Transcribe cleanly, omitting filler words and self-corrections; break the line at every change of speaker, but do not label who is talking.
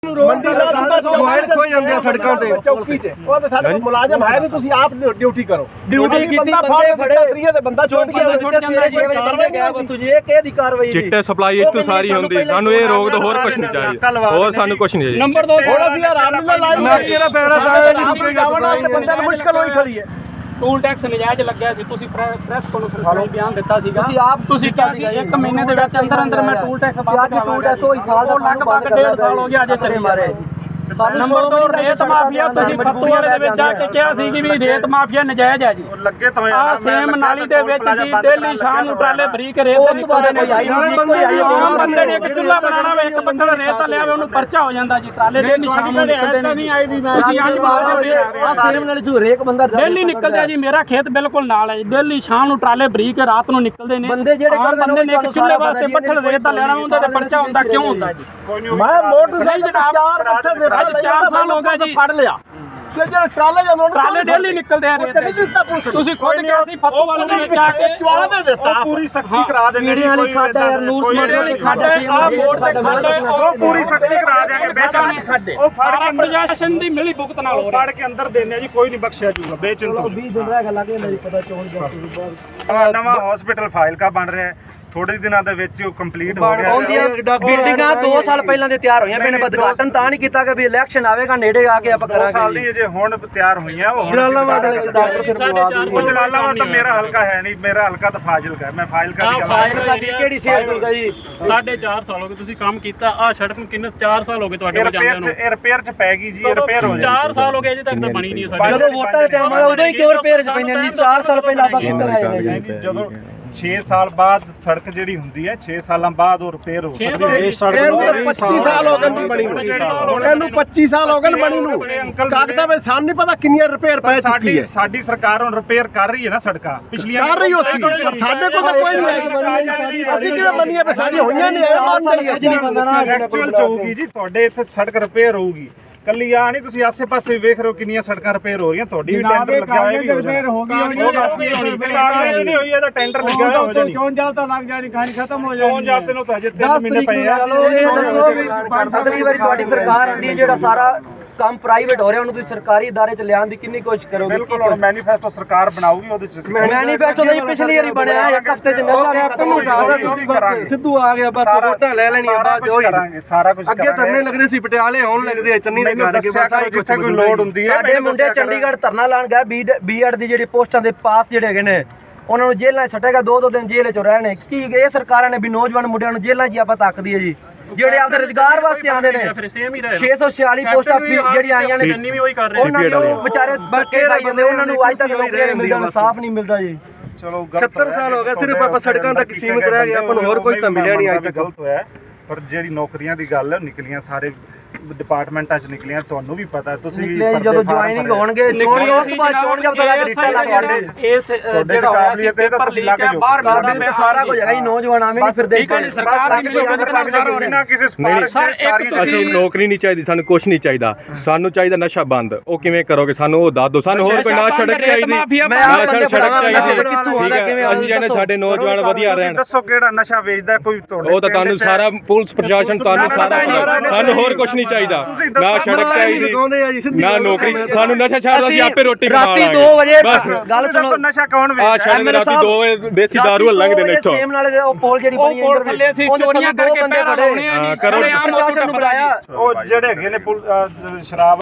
ਮੰਡੀ ਮੋਬਾਈਲ ਖੋਏ ਜਾਂਦੇ ਆ ਸੜਕਾਂ ਤੇ ਚੌਕੀ ਤੇ ਉਹ ਤੇ ਸਾਡੇ ਮੁਲਾਜ਼ਮ ਹੈ ਨਹੀਂ ਤੁਸੀਂ ਆਪ ਡਿਊਟੀ ਕਰੋ ਡਿਊਟੀ ਕੀਤੀ ਬੰਦੇ ਫੜੇ ਤਰੀਏ ਤੇ ਬੰਦਾ ਛੁੱਟ ਗਿਆ ਸਵੇਰੇ 6 ਵਜੇ ਬੰਦੇ ਗਿਆ ਤੁਸੀਂ ਇਹ ਕਿਹਦੀ ਕਾਰਵਾਈ
ਚਿੱਟੇ ਸਪਲਾਈ ਇੱਥੋਂ ਸਾਰੀ ਹੁੰਦੀ ਸਾਨੂੰ ਇਹ ਰੋਕ ਦੋ ਹੋਰ ਕੁਝ ਨਹੀਂ ਚਾਹੀਦਾ ਹੋਰ ਸਾਨੂੰ ਕੁਝ ਨਹੀਂ ਚਾਹੀਦਾ
ਨੰਬਰ 2 ਥੋੜਾ ਸੀ ਰਾਮਲੀਲਾ ਲਾਈ ਮੈਂ ਕਿਹੜਾ ਪੈਰਾ ਪਾਇਆ ਜੀ ਜਾਵਣਾ ਤੇ ਬੰਦੇ ਨੂੰ ਮੁਸ਼ਕਲ ਹੋਈ ਖੜੀ ਹੈ
ਟੂਲ ਟੈਕਸ ਨਜਾਇਜ਼ ਲੱਗਿਆ ਸੀ ਤੁਸੀਂ ਪ੍ਰੈਸ ਕਾਨਫਰੰਸ ਵਿੱਚ ਬਿਆਨ ਦਿੱਤਾ ਸੀਗਾ ਤੁਸੀਂ ਕਿਹਾ ਸੀ 1 ਮਹੀਨੇ ਦੇ ਵਿੱਚ ਅੰਦਰ ਮੈਂ ਟੂਲ ਟੈਕਸ ਬੰਦ ਕਰਾਂਗਾ ਲਗਭਗ 1.5 ਸਾਲ ਹੋ ਗਿਆ ਅਜੇ ਚੱਲੇ ਮਾਰੇ ਨੰਬਰ 2 ਰੇਤ ਮਾਫੀਆ ਤੁਸੀਂ ਫੱਤੂ ਵਾਲੇ ਦੇ ਵਿੱਚ ਆ ਕੇ ਕਿਹਾ ਸੀ ਕਿ ਵੀ ਰੇਤ ਮਾਫੀਆ ਨਜਾਇਜ਼ ਹੈ ਜੀ
ਲੱਗੇ ਤਾਂ
ਆ ਸੇਮ ਨਾਲੀ ਦੇ ਵਿੱਚ ਜੀ ਡੇਲੀ ਸ਼ਾਮ ਨੂੰ ਟਰਾਲੇ ਬਰੀਕ ਰੇਤ ਨਿਕਲਦੇ ਨੇ ਆਮ ਬੰਦੇ ਨੇ ਇੱਕ ਚੁੱਲ੍ਹਾ ਬਣਾਉਣਾ ਵੇ ਇੱਕ ਬੰਦਾ ਰੇਤ ਲਿਆਵੇ ਉਹਨੂੰ ਪਰਚਾ ਹੋ ਜਾਂਦਾ ਜੀ ਟਰਾਲੇ ਡੇਲੀ ਸ਼ਾਮ ਨੂੰ ਨਿਕਲਦੇ ਨੇ ਤੁਸੀਂ ਅੱਜ ਬਾਅਦ ਆ ਸੇਮ ਨਾਲੀ ਤੋਂ ਹਰੇਕ ਬੰਦਾ ਡੇਲੀ ਨਿਕਲਦਾ ਜੀ ਮੇਰਾ ਖੇਤ ਬਿਲਕੁਲ ਨਾਲ ਹੈ ਜੀ ਡੇਲੀ ਸ਼ਾਮ ਨੂੰ ਟਰਾਲੇ ਬਰੀਕ ਰਾਤ ਨੂੰ ਨਿਕਲਦੇ ਨੇ ਬੰਦੇ ਜਿਹੜੇ ਨੇ ਇੱਕ ਚੁੱਲ੍ਹੇ ਵਾਸਤੇ ਪੱਠਲ ਰੇਤ ਦਾ ਲੈਣਾ ਹੁੰਦਾ ਤੇ ਪਰਚਾ ਹੁੰਦਾ ਕਿਉਂ ਹੁੰਦਾ ਜੀ
ਮੈਂ ਮੋਟਰਸਾਈਕਲ ਜਨਾਬ
ਅੱਜ 4 ਸਾਲ ਹੋ ਗਏ ਜੀ
ਪੜ ਲਿਆ ਕਿ ਜਿਹੜਾ ਟਰਾਲੇ
ਡੇਲੀ ਨਿਕਲਦੇ ਆ ਤੁਸੀਂ ਖੁਦ ਕਿਹਾ ਸੀ ਫੱਤੂ ਵਾਲੇ ਦੇ ਵਿੱਚ ਆ ਕੇ
ਚਵਾਲਾ ਦੇ ਦਿੱਤਾ ਪੂਰੀ ਸਖਤੀ ਕਰਾ ਦੇਣੀ
ਮੀਡੀਆ ਵਾਲੀ ਖਾਡਾ ਯਾਰ ਨੂਰ ਵਾਲੀ ਖਾਡਾ ਆ ਬੋਰਡ ਤੇ ਖਾਡਾ
ਉਹ ਪੂਰੀ ਸਖਤੀ ਕਰਾ ਦੇਾਂਗੇ ਬੇਚਾਂ ਨਹੀਂ ਖਾਡੇ ਉਹ
ਸਾਰਾ ਪ੍ਰਸ਼ਾਸਨ ਦੀ ਮਿਲੀ ਭੁਗਤ ਨਾਲ ਹੋ ਰਿਹਾ
ਫੜ ਕੇ ਅੰਦਰ ਦੇਣੇ ਜੀ ਕੋਈ ਨਹੀਂ ਬਖਸ਼ਿਆ ਜੂਗਾ ਬੇਚਿੰਤ
20 ਦਿਨ ਰਹਿ ਗਏ ਲੱਗੇ ਮੇਰੀ ਪਤਾ ਚੋਣ ਜਾ
ਨਵਾਂ ਹਸਪੀਟਲ ਫਾਈਲ ਕਾ ਬਣ ਰਿਹਾ ਥੋੜੇ ਦਿਨਾਂ ਦੇ ਵਿੱਚ ਉਹ ਕੰਪਲੀਟ ਹੋ ਗਿਆ
ਆਉਂਦੀਆਂ ਬਿਲਡਿੰਗਾਂ 2 ਸਾਲ ਪਹਿਲਾਂ ਦੇ ਤਿਆਰ ਹੋਈਆਂ ਮੈਨੇ ਉਦਘਾਟਨ ਤਾਂ ਨਹੀਂ ਕੀਤਾ ਕਿ ਵੀ ਇਲੈਕਸ਼ਨ ਆਵੇਗਾ ਨੇੜੇ ਆ ਕੇ ਆਪਾਂ
2 ਸਾਲ ਦੀ ਅਜੇ ਹੁਣ ਤਿਆਰ ਹੋਈਆਂ ਉਹ ਜਲਾਲਾਬਾਦ ਡਾਕਟਰ ਫਿਰ ਜਲਾਲਾਬਾਦ ਤਾਂ ਮੇਰਾ ਹਲਕਾ ਹੈ ਨਹੀਂ ਮੇਰਾ ਹਲਕਾ ਤਾਂ ਫਾਜ਼ਿਲਕਾ ਹੈ ਮੈਂ ਫਾਜ਼ਿਲਕਾ ਦੀ
ਫਾਜ਼ਿਲਕਾ ਦੀ ਕਿਹੜੀ ਸੇਲ ਹੁੰਦਾ ਜੀ
4.5 ਸਾਲ ਹੋ ਗਏ ਤੁਸੀਂ ਕੰਮ ਕੀਤਾ ਆ ਸੜਕ ਨੂੰ ਕਿੰਨੇ 4 ਸਾਲ ਹੋ ਗਏ ਤੁਹਾਡੇ ਕੋਲ ਜਾਂਦੇ ਨੂੰ
ਇਹ ਰਿਪੇਅਰ ਚ ਪੈ ਗਈ ਜੀ ਇਹ ਰਿਪੇਅਰ ਹੋ ਜਾਣੀ
4 ਸਾਲ ਹੋ ਗਏ ਅਜੇ ਤੱਕ ਤਾਂ ਬਣੀ ਨਹੀਂ ਸਾਡੀ
ਜਦੋਂ ਵੋਟਾਂ ਦਾ ਟਾਈਮ ਆਇਆ ਉਦੋਂ ਹੀ ਕਿਉਂ ਰਿਪੇਅਰ ਚ ਪੈਂਦੇ ਨੇ ਜੀ 4 ਸਾਲ ਪਹਿਲਾਂ ਆਪਾਂ ਕਿੱਧਰ ਆਏ ਨੇ ਜੀ
ਜਦੋਂ 6 ਸਾਲ ਬਾਅਦ ਸੜਕ ਜਿਹੜੀ ਹੁੰਦੀ ਹੈ 6 ਸਾਲਾਂ ਬਾਅਦ ਉਹ ਰਿਪੇਅਰ ਹੋ ਸਕਦੀ ਹੈ ਇਹ ਸੜਕ ਨੂੰ 25 ਸਾਲ ਹੋ ਗਏ ਨਹੀਂ ਬਣੀ ਨੂੰ ਇਹਨੂੰ 25 ਸਾਲ ਹੋ ਗਏ ਬਣੀ ਨੂੰ ਕਾਗਜ਼ਾਂ ਵਿੱਚ ਸਾਨੂੰ ਨਹੀਂ ਪਤਾ ਕਿੰਨੀਆਂ ਰਿਪੇਅਰ ਪੈ ਚੁੱਕੀ ਹੈ ਸਾਡੀ ਸਰਕਾਰ ਹੁਣ ਰਿਪੇਅਰ ਕਰ ਰਹੀ ਹੈ ਨਾ ਸੜਕਾਂ ਪਿਛਲੀਆਂ ਕਰ ਰਹੀ ਹੋਸੀ ਸਾਡੇ ਕੋਲ ਤਾਂ ਕੋਈ ਨਹੀਂ ਆਈ ਅਸੀਂ ਕਿਵੇਂ ਮੰਨੀਏ ਵੀ ਸਾਡੀਆਂ ਹੋਈਆਂ ਨਹੀਂ ਐ ਮੰਨ ਜਾਈਏ ਅਸੀਂ ਨਹੀਂ ਬੰਦਾ ਨਾ ਐਕਚੁਅਲ ਚ ਹੋਊਗੀ ਜੀ ਤੁਹਾਡੇ ਇੱਥੇ ਸੜਕ ਰਿਪੇਅਰ ਹੋਊਗੀ ਕੱਲੀ ਆ ਨਹੀਂ ਤੁਸੀਂ ਆਸੇ ਪਾਸੇ ਵੇਖ ਰਹੇ ਹੋ ਕਿੰਨੀਆਂ ਸੜਕਾਂ ਰਿਪੇਅਰ ਹੋ ਰਹੀਆਂ ਤੁਹਾਡੀ ਵੀ ਟੈਂਡਰ ਲੱਗਿਆ ਹੋਇਆ ਵੀ ਰਿਪੇਅਰ ਹੋ ਗਈ ਨਹੀਂ ਹੋਈ ਇਹਦਾ ਟੈਂਡਰ ਲੱਗਿਆ ਹੋਇਆ ਹੋ ਜਾਣੀ
ਚੋਣ ਜਾਲ ਤਾਂ ਲੱਗ ਜਾਣੀ ਕਹਾਣੀ ਖਤਮ ਹੋ ਜਾਣੀ
ਚੋਣ ਜਾਲ ਤੇ ਨੂੰ ਤਾਂ ਅਜੇ 3 ਮਹੀਨੇ ਪਏ ਆ
ਚਲੋ ਇਹ ਦੱਸੋ ਵੀ ਅਗਲੀ ਵਾਰੀ ਤੁਹਾਡੀ ਸਰਕਾਰ ਆਂਦੀ ਹੈ ਜਿਹੜਾ ਸਾਰਾ ਕੰਮ ਪ੍ਰਾਈਵੇਟ ਹੋ ਰਿਹਾ ਉਹਨੂੰ ਤੁਸੀਂ ਸਰਕਾਰੀ ادارے ਚ ਲਿਆਉਣ ਦੀ ਕਿੰਨੀ ਕੋਸ਼ਿਸ਼ ਕਰੋਗੇ
ਬਿਲਕੁਲ ਹੁਣ ਮੈਨੀਫੈਸਟੋ ਸਰਕਾਰ ਬਣਾਊਗੀ ਉਹਦੇ ਚ
ਮੈਨੀਫੈਸਟੋ ਤਾਂ ਪਿਛਲੀ ਵਾਰੀ ਬਣਿਆ ਇੱਕ ਹਫ਼ਤੇ ਚ ਨਸ਼ਾ ਵੀ ਖਤਮ ਹੋ ਜਾਊਗਾ
ਸਿੱਧੂ ਆ ਗਿਆ ਬਸ ਵੋਟਾਂ ਲੈ ਲੈਣੀਆਂ ਬਾਅਦ ਜੋ ਕਰਾਂਗੇ ਸਾਰਾ ਕੁਝ ਅੱਗੇ ਧਰਨੇ ਲੱਗਦੇ ਸੀ ਪਟਿਆਲੇ ਹੁਣ ਲੱਗਦੇ ਆ ਚੰਨੀ ਦੇ ਘਰ ਕੇ ਬਸ ਜਿੱਥੇ ਕੋਈ ਲੋੜ ਹੁੰਦੀ ਹੈ
ਸਾਡੇ ਮੁੰਡੇ ਚੰਡੀਗੜ੍ਹ ਧਰਨਾ ਲਾਣ ਗਏ ਬੀਐਡ ਦੀ ਜਿਹੜੀ ਪੋਸਟਾਂ ਦੇ ਪਾਸ ਜਿਹੜੇ ਹੈਗੇ ਨੇ ਉਹਨਾਂ ਨੂੰ ਜੇਲ੍ਹਾਂ 'ਚ ਸੱਟੇਗਾ 2-2 ਦਿਨ ਜੇਲ੍ਹ 'ਚ ਰਹਿਣੇ ਕੀ ਇਹ ਸਰਕਾਰਾਂ ਨੇ ਵੀ ਨੌਜਵਾਨ ਮੁੰਡਿਆਂ ਨੂੰ ਜੇਲ੍ਹਾਂ 'ਚ ਆਪਾਂ ਤੱਕਦੀ ਹੈ ਜੀ ਜਿਹੜੇ ਆਪਦੇ ਰੁਜ਼ਗਾਰ ਵਾਸਤੇ ਆਉਂਦੇ ਨੇ 646 ਪੋਸਟਾਂ ਜਿਹੜੀਆਂ ਆਈਆਂ ਨੇ ਉਹਨਾਂ ਦੇ ਉਹ ਵਿਚਾਰੇ ਬੱਕੇ ਖਾਈ ਜਾਂਦੇ ਉਹਨਾਂ ਨੂੰ ਅੱਜ ਤੱਕ ਨੌਕਰੀਆਂ ਨਹੀਂ ਮਿਲਦੀਆਂ ਇਨਸਾਫ ਨਹੀਂ ਮਿਲਦਾ ਜੀ
ਚਲੋ 70 ਸਾਲ ਹੋ ਗਏ ਸਿਰਫ ਆਪਾਂ ਸੜਕਾਂ ਤੱਕ ਸੀਮਿਤ ਰਹਿ ਗਏ ਆਪਾਂ ਨੂੰ ਹੋਰ ਕੁਝ ਤਾਂ ਮਿਲਿਆ ਨਹੀਂ ਅੱਜ ਤੱਕ ਗਲਤ ਹੋਇਆ ਪਰ ਜਿਹੜੀ ਨੌਕਰੀਆਂ ਦੀ ਗੱਲ ਨਿਕਲੀਆਂ ਸਾਰੇ ਡਿਪਾਰਟਮੈਂਟਾਂ ਚ ਨਿਕਲੀਆਂ ਤੁਹਾਨੂੰ ਵੀ ਪਤਾ ਤੁਸੀਂ ਵੀ
ਜਦੋਂ ਜੁਆਇਨਿੰਗ ਹੋਣਗੇ ਚੋਣ ਉਸ ਤੋਂ ਬਾਅਦ ਚੋਣ ਜਬ ਤੱਕ ਰਿਸ਼ਤਾ ਲੱਗ
ਇਸ ਜਿਹੜਾ ਕਾਬਲੀਅਤ
ਇਹ ਤਾਂ ਤੁਸੀਂ ਲੱਗ ਜਾਓ
ਬਾਹਰ ਕੱਢਣਾ ਪਿਆ
ਸਾਰਾ ਕੁਝ ਹੈਗਾ ਜੀ ਨੌਜਵਾਨ ਆਵੇਂ ਨਹੀਂ ਫਿਰਦੇ
ਠੀਕ ਹੈ ਜੀ ਸਰਕਾਰ ਦੀ
ਬਿਨਾਂ ਕਿਸੇ ਸਪਾਰਸ਼ ਦੇ
ਅਸੀਂ ਨੌਕਰੀ ਨਹੀਂ ਚਾਹੀਦੀ ਸਾਨੂੰ ਕੁਝ ਨਹੀਂ ਚਾਹੀਦਾ ਸਾਨੂੰ ਚਾਹੀਦਾ ਨਸ਼ਾ ਬੰਦ ਉਹ ਕਿਵੇਂ ਕਰੋਗੇ ਸਾਨੂੰ ਉਹ ਦੱਸ ਦਿਓ ਸਾਨੂੰ ਹੋਰ ਕੋਈ ਨਾ ਸੜਕ ਚਾਹੀਦੀ ਨਾ ਸੜਕ ਚਾਹੀਦੀ ਠੀਕ ਹੈ ਅਸੀਂ ਜਾਨੇ ਸਾਡੇ ਨੌਜਵਾਨ ਵਧੀਆ ਰਹਿਣ
ਦੱਸੋ ਕਿਹੜਾ ਨਸ਼ਾ ਵੇਚਦਾ ਕੋਈ ਤੁਹਾਡੇ
ਉਹ ਤਾਂ ਤੁਹਾਨੂੰ ਸਾਰਾ ਪੁਲਿਸ ਪ੍ਰਸ਼ਾਸਨ ਤੁਹਾਨੂੰ ਸਾਰਾ ਸਾਨੂੰ ਹੋਰ ਕੁਝ ਨਹੀਂ ਚਾਹੀਦਾ ਨਾ ਸੜਕ ਚਾਹੀਦੀ ਨਾ ਨੌਕਰੀ ਸਾਨੂੰ ਨਸ਼ਾ ਛੱਡ ਅਸੀਂ ਆਪੇ ਰੋਟੀ ਬਣਾ ਲਾਂਗੇ
ਰਾਤੀ 2 ਵਜੇ ਗੱਲ ਸੁਣੋ
ਨਸ਼ਾ ਕੌਣ ਵੇਚਦਾ
ਆ ਰਾਤੀ 2 ਦੇਸੀ ਦਾਰੂ ਲੰਘਦੇ ਨੇ ਇੱਥੋਂ
ਸੇਮ ਨਾਲੇ ਉਹ ਪੋਲ ਜਿਹੜੀ ਬਣੀ
ਉਹ ਥੱਲੇ ਅਸੀਂ ਚੋਰੀਆਂ ਕਰਕੇ ਪੈਰ ਲਾਉਣੇ ਆ ਜੀ
ਪ੍ਰਸ਼ਾਸਨ ਨੂੰ ਬੁਲਾਇਆ
ਉਹ ਜਿਹੜੇ ਹੈਗੇ ਨੇ ਸ਼ਰਾਬ